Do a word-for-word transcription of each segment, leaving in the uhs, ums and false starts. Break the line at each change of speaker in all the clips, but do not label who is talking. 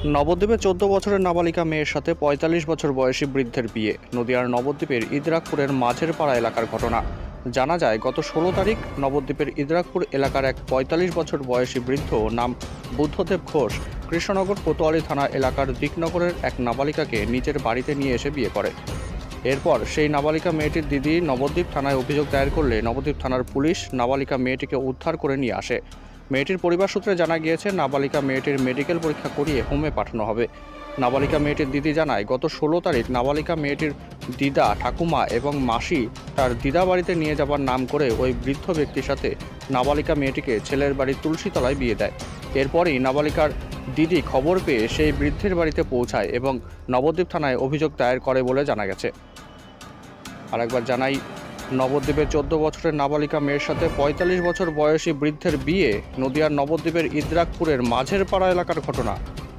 নবদ্বীপে চোদ্দ বছরের নাবালিকা মেয়ের সাথে পঁয়তাল্লিশ বছর বয়সী বৃদ্ধের বিয়ে। নদিয়ার নবদ্বীপের ইদরাকপুরের মাঝের পাড়া এলাকার ঘটনা। জানা যায়, গত ষোলো তারিখ নবদ্বীপের ইদরাকপুর এলাকার এক পঁয়তাল্লিশ বছর বয়সী বৃদ্ধ, নাম বুদ্ধদেব ঘোষ, কৃষ্ণনগর কোতোয়ালি থানা এলাকার দিকনগরের এক নাবালিকাকে নিজের বাড়িতে নিয়ে এসে বিয়ে করে। এরপর সেই নাবালিকা মেয়েটির দিদি নবদ্বীপ থানায় অভিযোগ দায়ের করলে নবদ্বীপ থানার পুলিশ নাবালিকা মেয়েটিকে উদ্ধার করে নিয়ে আসে। মেয়েটির পরিবার সূত্রে জানা গিয়েছে, নাবালিকা মেয়েটির মেডিকেল পরীক্ষা করিয়ে হোমে পাঠানো হবে। নাবালিকা মেয়েটির দিদি জানায়, গত ষোলো তারিখ নাবালিকা মেয়েটির দিদা, ঠাকুমা এবং মাসি তার দিদা বাড়িতে নিয়ে যাবার নাম করে ওই বৃদ্ধ ব্যক্তির সাথে নাবালিকা মেয়েটিকে ছেলের বাড়ির তুলসীতলায় বিয়ে দেয়। এরপরই নাবালিকার দিদি খবর পেয়ে সেই বৃদ্ধের বাড়িতে পৌঁছায় এবং নবদ্বীপ থানায় অভিযোগ দায়ের করে বলে জানা গেছে। আরেকবার জানাই, নবদ্বীপের চোদ্দ বছরের নাবালিকা মেয়ের সাথে পঁয়তাল্লিশ বছর বয়সী বৃদ্ধের বিয়ে। নদিয়ার নবদ্বীপের ইদরাকপুরের মাঝের পাড়া এলাকার ঘটনা।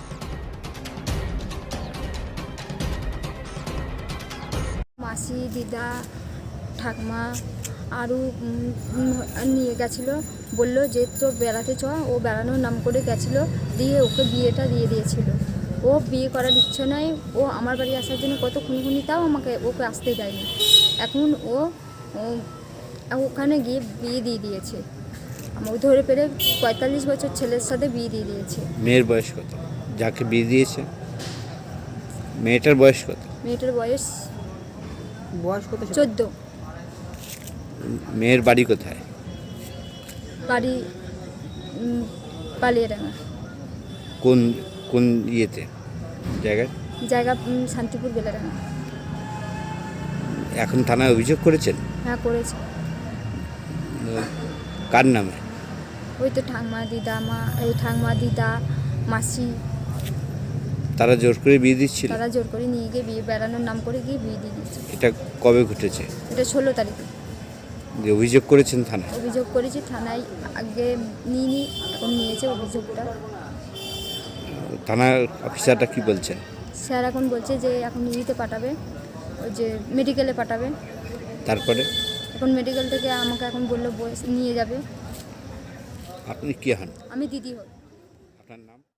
মাসি, দিদা, ঠাকমা আরও নিয়ে গেছিলো, বললো যে তো বেড়াতে চ। ও বেড়ানোর নাম করে গেছিলো, দিয়ে ওকে বিয়েটা দিয়ে দিয়েছিল। ও বিয়ে করার ইচ্ছে নয়, ও আমার বাড়ি আসার জন্য কত খুনখুনি, তাও আমাকে ওকে আসতে দেয়নি। এখন ও ওখানে গিয়ে বিয়ে দিয়ে দিয়েছে। আমাকে ধরে পেরে পঁয়তাল্লিশ বছর ছেলের সাথে বিয়ে দিয়ে দিয়েছে।
মেয়ের বয়স কত যাকে বিয়ে দিয়েছে? মেয়েটার বয়স কত?
মেয়েটার বয়স বয়স কত? চোদ্দ।
মেয়ের বাড়ি কোথায়?
বাড়ি পালিয়াডাঙ্গা।
কোন কোন ইয়েতে জায়গায়?
জায়গা শান্তিপুর বেলাডাঙ্গা।
এখন থানায় অভিযোগ করেছেন?
হ্যাঁ, করেছে।
কার নামে?
ওই তো ঠাকমা, দিদা, মা, এই ঠাকমা, দিদা, মাসি।
তারা জোর করে বিয়ে দিচ্ছিল?
তারা জোর করে নিয়ে গিয়ে বিয়ে বেড়ানোর নাম করে গিয়ে বিয়ে দিয়ে দিচ্ছে।
এটা কবে ঘটেছে?
এটা ষোলো তারিখে।
যে অভিযোগ করেছেন থানায়?
অভিযোগ করেছি থানায়, আগে নিয়ে নি, এখন নিয়েছে অভিযোগটা।
থানার অফিসারটা কি বলছেন?
স্যার এখন বলছে যে এখন নিতে পাঠাবে, ওই যে মেডিকেলে পাঠাবে।
তারপরে
এখন মেডিকেল থেকে আমাকে এখন বললো নিয়ে যাবে।
আপনি কি হন?
আমি দিদি হই।